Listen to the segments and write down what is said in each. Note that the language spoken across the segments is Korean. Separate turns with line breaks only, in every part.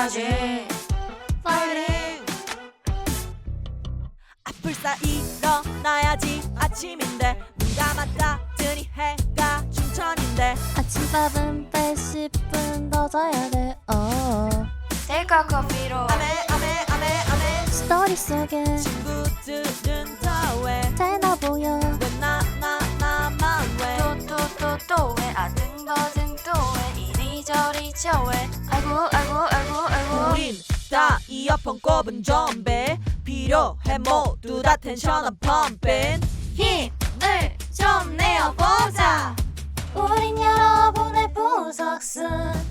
해야지 파이팅.
불사 일어나야지 아침인데 눈 감았다 뜨니 해가 춘천인데
아침밥은 뺄 10분 더 자야 돼.
대가 커피로
아메
스토리 속에
친구들은 다왜
되나 보여.
왜 나만 왜
또 왜 아등바등 또 왜 이리저리 저왜 아이고
우린 다 이어폰 꼽은 좀비 필요해 모두 다 텐션업 펌핑
힘을 좀 내어보자.
우린 여러분의 보석순.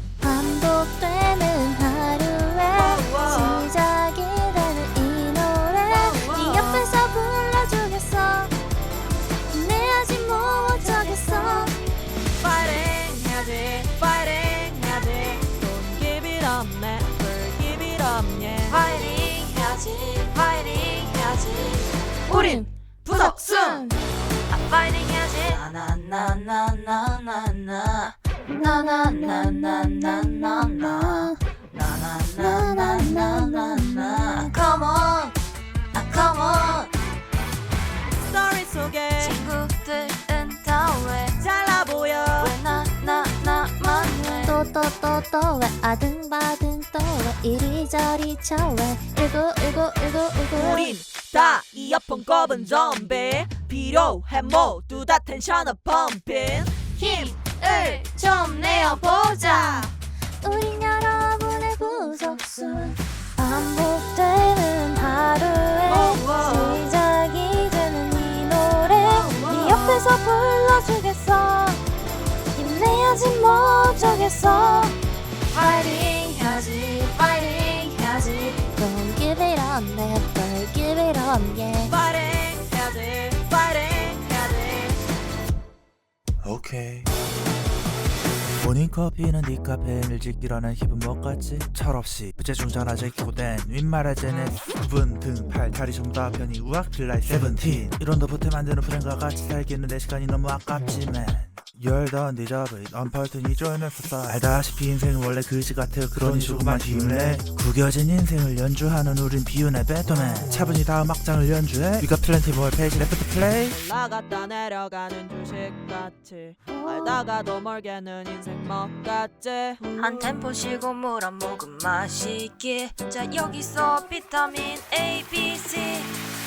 반복되는 하루에 시작이 되는 이 노래 네 옆에서 불러주겠어. 힘내야지 못 어쩌겠어.
파이팅 해야지 Don't give it up never give it up yeah
파이팅 해야지
우린 부석순
파이팅 해야지 나나나나나나나나나나나나나나나나나나 Come on
스토리 속에
친구들은 다왜
잘나 보여
나만 왜
또 왜 아등바등 또 왜 이리저리 저왜 울고
우린 다 이어폰 꼽은 좀비 필요해 모두 다 텐션업 펌핑
힘을 좀 내어보자.
우린 여러분의 구석순. 반복되는 하루에 시작이 되는 이 노래 네 옆에서 불러주겠어. 힘내야지 뭐 어쩌겠어.
파이팅 해야지
Don't give it up, never give it up, yeah.
파이팅 해야지
오케이. 모닝 커피는 네 카페인을 지키려는 힙은 못 같지? 철없이 부재중 전화 제키고 댄 윗말해제는 구분 등 팔다리 전부 다 편히 우악 필라이 세븐틴 이론도 보태 만드는 프렌과 같이 살기는 내 시간이 너무 아깝지만 You're done, 디저브 언펄튼이 쫄면서 알다시피 인생은 원래 그지 같아. 그러니 조금만 힘을 내. 구겨진 인생을 연주하는 우린 비운의 배터맨. 차분히 다음 악장을 연주해. We got plenty more page left to play.
올라갔다 내려가는 주식같이 알다가도 멀게는 인생 먹같지
한 템포 쉬고 물 한 모금 마시기. 자 여기서 비타민 A, B, C.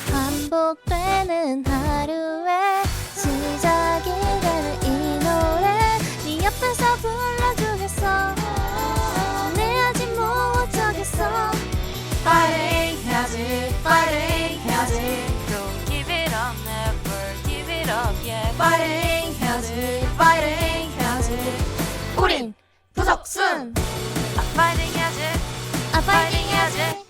반복되는 하루에 시작이 되는 이 노래 네 옆에서 불러주겠어. 힘내야지 뭐 어쩌겠어.
파이팅 해야지 Don't give it up, never give it up, yeah. 파이팅 해야지
우린
부석순
파이팅 해야지
파이팅 해야지.